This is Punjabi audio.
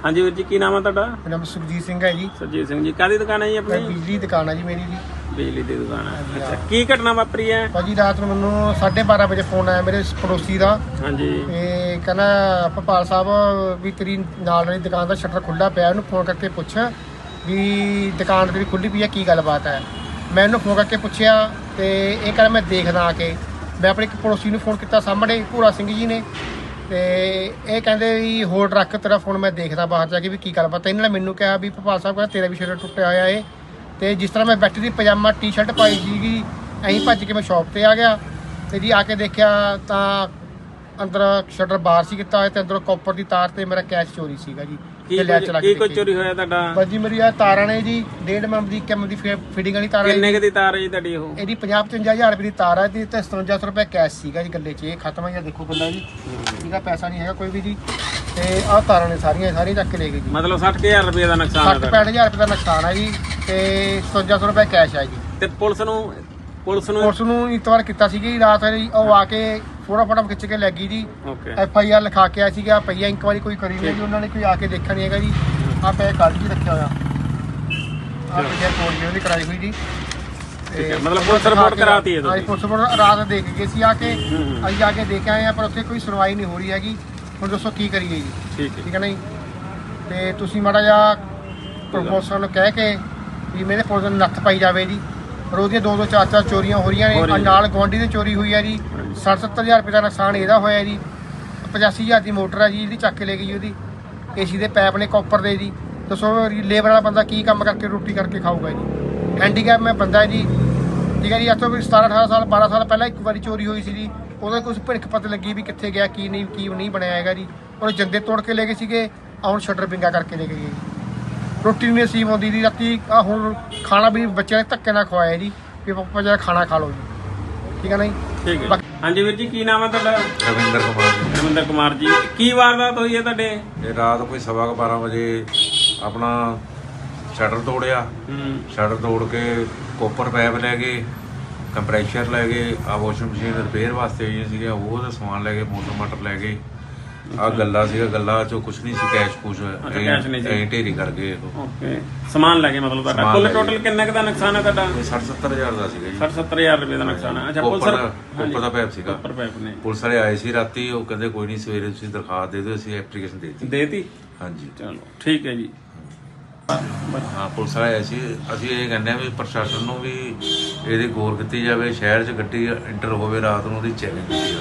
हाँ जी वीर जी, की नाम है तुहाडा? मेरा नाम सुखजीत सिंह है जी। सुरजीत सिंह जी, काहदी दुकान है जी अपनी? बिजली दुकान है जी मेरी जी। बिजली की दुकान है। अच्छा, की घटना वापरी है? भाजी रात ਨੂੰ ਮੈਨੂੰ 12:30 ਵਜੇ ਫੋਨ ਆਇਆ ਮੇਰੇ ਪੜੋਸੀ ਦਾ। ਹਾਂਜੀ। ਇਹ ਕਹਿੰਦਾ ਭਪਾਲ ਸਾਹਿਬ ਵੀ ਤੇਰੀ ਨਾਲ ਵਾਲੀ ਦੁਕਾਨ ਦਾ ਸ਼ਟਰ ਖੁੱਲਾ ਪਿਆ, ਉਹਨੂੰ ਫੋਨ ਕਰਕੇ ਪੁੱਛ ਵੀ ਦੁਕਾਨ ਤੇਰੀ ਖੁੱਲੀ ਪਈ ਹੈ, ਕੀ ਗੱਲਬਾਤ ਹੈ। ਮੈਂ ਉਹਨੂੰ ਫੋਨ ਕਰਕੇ ਪੁੱਛਿਆ ਤੇ ਇਹ ਕਹਿੰਦਾ ਮੈਂ ਦੇਖਦਾ ਆ ਕੇ। ਮੈਂ ਆਪਣੇ ਇੱਕ ਪੜੋਸੀ ਨੂੰ ਫੋਨ ਕੀਤਾ ਸਾਹਮਣੇ ਭੂਰਾ ਸਿੰਘ ਜੀ ਨੇ, ਤੇ ਇਹ ਕਹਿੰਦੇ ਵੀ ਹੋਲਡ ਰੱਖ, ਤੇਰਾ ਫੋਨ ਮੈਂ ਦੇਖਦਾ ਬਾਹਰ ਜਾ ਕੇ ਵੀ ਕੀ ਗੱਲਬਾਤ। ਇਹਨਾਂ ਨੇ ਮੈਨੂੰ ਕਿਹਾ ਵੀ ਭਪਾਲ ਸਾਹਿਬ ਕਹਿੰਦਾ ਤੇਰਾ ਵੀ ਸ਼ਟਰ ਟੁੱਟਿਆ ਹੋਇਆ ਏ। ਤੇ ਜਿਸ ਤਰ੍ਹਾਂ ਮੈਂ ਬੈਠੀ ਦੀ ਪਜਾਮਾ ਟੀ-ਸ਼ਰਟ ਪਾਈ ਸੀਗੀ, ਐਂ ਭੱਜ ਕੇ ਮੈਂ ਸ਼ਾਪ ਤੇ ਆ ਗਿਆ ਤੇ ਜੀ ਆ ਕੇ ਦੇਖਿਆ ਤਾਂ ਅੰਦਰ ਸ਼ਟਰ ਬਾਹਰ ਸੀ ਕੀਤਾ ਹੋਇਆ ਤੇ ਅੰਦਰੋਂ ਕਾਪਰ ਦੀ ਤਾਰ ਤੇ ਮੇਰਾ ਕੈਸ਼ ਚੋਰੀ ਸੀਗਾ ਜੀ। ਕੀ ਕੋਈ ਚੋਰੀ ਹੋਇਆ ਤੁਹਾਡਾ? ਬਸ ਜੀ ਮੇਰੀ ਆ ਤਾਰਾਂ ਨੇ ਜੀ 1.5 mm ਦੀ ਕਿਮ ਦੀ ਫਿਟਿੰਗ ਵਾਲੀ ਤਾਰ ਹੈ। ਕਿੰਨੇ ਦੀ ਤਾਰ ਹੈ ਜੀ ਤੁਹਾਡੀ? ਉਹ ਇਹਦੀ 50-55 ਹਜ਼ਾਰ ਰੁਪਏ ਦੀ ਤਾਰ ਹੈ ਤੇ 5700 ਰੁਪਏ ਕੈਸ਼ ਸੀਗਾ ਜੀ ਗੱਲੇ 'ਚ। ਇਹ ਖਤਮ ਹੈ, ਦੇਖੋ ਗੱਲਾਂ ਜੀ, ਇਹਦਾ ਪੈਸਾ ਨਹੀਂ ਹੈਗਾ ਕੋਈ ਵੀ ਜੀ। ਤੇ ਆਹ ਤਾਰਾਂ ਨੇ ਸਾਰੀਆਂ ਚੱਕ ਕੇ ਲੈ ਗਏ ਜੀ। ਮਤਲਬ 60000 ਰੁਪਏ ਦਾ ਨੁਕਸਾਨ ਹੈ? 65,000 ਰੁਪਏ ਦਾ ਨੁਕਸਾਨ ਹੈ ਜੀ ਤੇ 5700 ਰੁਪਏ ਕੈਸ਼ ਹੈ ਜੀ। ਤੇ ਪੁਲਿਸ ਨੂੰ ਇਤਵਾਰ ਕੀਤਾ ਸੀ ਜੀ ਰਾਤ ਜੀ। ਉਹ ਆ ਕੇ ਫੋਟੋ ਖਿੱਚ ਕੇ ਲੈ ਗਈ ਜੀ। ਓਕੇ। FIR ਲਿਖਾ ਕੇ ਆਇਆ ਸੀਗਾ, ਪਈਆ ਇੰਕਵਾਇਰੀ ਕੋਈ ਕਰੀ ਨਹੀਂ ਜੀ ਉਹਨਾਂ ਨੇ, ਕੋਈ ਆ ਕੇ ਦੇਖਿਆ ਨਹੀਂ ਹੈਗਾ ਜੀ। ਆਹ ਪੈ ਕੱਲ ਜੀ ਰੱਖਿਆ ਹੋਇਆ, ਆਹ ਪਈਆ ਕੋਲ ਜੀ ਉਹਦੀ ਕਰਾਈ ਹੋਈ ਜੀ। ਠੀਕ ਹੈ, ਮਤਲਬ ਪੁਲਿਸ ਰਿਪੋਰਟ ਕਰਾਤੀ ਹੈ ਤੁਸੀਂ? ਹਾਂ, ਪੁਲਿਸ ਰਿਪੋਰਟ ਰਾਤ ਦੇਖ ਗਏ ਸੀ ਆ ਕੇ। ਅਸੀਂ ਆ ਕੇ ਦੇਖ ਆਏ ਆ, ਪਰ ਉੱਥੇ ਕੋਈ ਸੁਣਵਾਈ ਨਹੀਂ ਹੋ ਰਹੀ ਹੈਗੀ। ਹੁਣ ਦੱਸੋ ਕੀ ਕਰੀਏ ਜੀ? ਠੀਕ ਹੈ ਨਾ ਜੀ। ਤੇ ਤੁਸੀਂ ਮਾੜਾ ਜਿਹਾ ਪ੍ਰਮੋਸ਼ਨ ਨੂੰ ਕਹਿ ਕੇ ਵੀ ਮੇਰੇ ਪੁਲਿਸ ਨੂੰ ਨੱਥ ਪਾਈ ਜਾਵੇ ਜੀ। ਰੋਜ਼ ਦੀਆਂ 2-2 4-4 ਚੋਰੀਆਂ ਹੋ ਰਹੀਆਂ ਨੇ। ਨਾਲ ਗੁਆਂਢੀ ਦੀ ਚੋਰੀ ਹੋਈ ਹੈ ਜੀ। 60-70 ਹਜ਼ਾਰ ਰੁਪਏ ਦਾ ਨੁਕਸਾਨ ਇਹਦਾ ਹੋਇਆ ਜੀ। 85,000 ਦੀ ਮੋਟਰ ਹੈ ਜੀ ਜਿਹੜੀ ਚੱਕ ਕੇ ਲੈ ਗਈ ਉਹਦੀ। AC ਦੇ ਪੈਪ ਨੇ ਕਾਪਰ ਦੇ ਜੀ। ਦੱਸੋ ਲੇਬਰ ਵਾਲਾ ਬੰਦਾ ਕੀ ਕੰਮ ਕਰਕੇ ਰੋਟੀ ਕਰਕੇ ਖਾਊਗਾ ਜੀ? ਹੈਂਡੀਕੈਪ ਮੈਂ ਬੰਦਾ ਜੀ, ਠੀਕ ਹੈ ਜੀ। ਅੱਜ ਤੋਂ 17-18 ਸਾਲ 12 ਸਾਲ ਪਹਿਲਾਂ ਇੱਕ ਵਾਰੀ ਚੋਰੀ ਹੋਈ ਸੀ ਜੀ। ਉਹਦਾ ਕੁਝ ਭਿਣਕ ਪਤਾ ਲੱਗੀ ਵੀ ਕਿੱਥੇ ਗਿਆ, ਕੀ ਨਹੀਂ ਬਣਿਆ ਹੈਗਾ ਜੀ। ਉਹਨੇ ਜੰਦੇ ਤੋੜ ਕੇ ਲੈ ਗਏ ਸੀਗੇ, ਹੁਣ ਸ਼ਟਰ ਪਿੰਗਾ ਕਰਕੇ ਲੈ ਕੇ ਗਏ। ਰੋਟੀ ਨਹੀਂ ਨਸੀਬ ਆਉਂਦੀ ਜੀ ਰਾਤੀ। ਹੁਣ ਖਾਣਾ ਵੀ ਬੱਚਿਆਂ ਨੇ ਧੱਕੇ ਨਾਲ ਖਵਾਇਆ ਜੀ ਵੀ ਪਾਪਾ ਜਰਾ ਖਾਣਾ ਖਾ ਲਓ ਜੀ, ਠੀਕ ਹੈ ਨਾ ਜੀ। ਠੀਕ ਹੈ। ਹਾਂਜੀ ਵੀਰ ਜੀ, ਕੀ ਨਾਮ ਹੈ ਤੁਹਾਡਾ? ਰਵਿੰਦਰ ਕੁਮਾਰ ਜੀ। ਰਵਿੰਦਰ ਕੁਮਾਰ ਜੀ, ਕੀ ਵਾਰਦਾਤ ਹੋਈ ਹੈ ਤੁਹਾਡੇ? ਇਹ ਰਾਤ ਕੋਈ 12:15 ਵਜੇ ਆਪਣਾ ਸ਼ਟਰ ਤੋੜਿਆ। ਸ਼ਟਰ ਤੋੜ ਕੇ ਕੋਪਰ ਪੈਪ ਲੈ ਗਏ, ਕੰਪਰੈਸ਼ਰ ਲੈ ਗਏ, ਆ ਵਾਸ਼ਿੰਗ ਮਸ਼ੀਨ ਰਿਪੇਅਰ ਵਾਸਤੇ ਆਈਆਂ ਸੀਗੀਆਂ ਉਹਦਾ ਸਮਾਨ ਲੈ ਗਏ, ਮੋਟਰ ਲੈ ਗਏ। ਆ ਗੱਲਾ ਸੀਗਾ, ਗੱਲਾ ਚੋਂ ਕੁਛ ਨਹੀਂ ਸੀ, ਕੈਸ਼ ਕੁਛ ਐਂ ਢੇਰੀ ਕਰ ਗਏ। ਓਕੇ, ਸਮਾਨ ਲੈ ਗਏ ਮਤਲਬ ਤੁਹਾਡਾ। ਕੁੱਲ ਟੋਟਲ ਕਿੰਨੇ ਕੁ ਦਾ ਨੁਕਸਾਨ ਹੈ ਤੁਹਾਡਾ? 60-70 ਹਜ਼ਾਰ ਦਾ ਸੀਗਾ ਜੀ। 60-70 ਰੁਪਏ ਦਾ ਨੁਕਸਾਨ ਹੈ। ਅੱਛਾ, ਕੋਪਰ ਦਾ ਪੈਪ ਸੀਗਾ। ਕੋਪਰ ਪੈਪ ਨੇ। ਪੁਲਿਸ ਵਾਲੇ ਆਏ ਸੀ ਰਾਤੀ, ਉਹ ਕਹਿੰਦੇ ਕੋਈ ਨਹੀਂ ਸਵੇਰੇ ਤੁਸੀਂ ਦਰਖਾਸਤ ਦੇ ਦਿਓ, ਅਸੀਂ ਐਪਲੀਕੇਸ਼ਨ ਦੇਤੀ। ਹਾਂਜੀ, ਚਲੋ ਠੀਕ ਹੈ ਜੀ। ਹਾਂ, ਪੁਲਿਸ ਵਾਲੇ ਆਏ ਸੀ। ਅਸੀਂ ਇਹ ਕਹਿੰਦੇ ਆ ਵੀ ਪ੍ਰਸ਼ਾਸਨ ਨੂੰ ਵੀ ਇਹਦੀ ਗੌਰ ਕੀਤੀ ਜਾਵੇ, ਸ਼ਹਿਰ 'ਚ ਗੱਡੀ ਇੰਟਰ ਹੋਵੇ ਰਾਤ ਨੂੰ ਉਹਦੀ ਚੈਕਿੰਗ ਕੀਤੀ ਜਾਵੇ।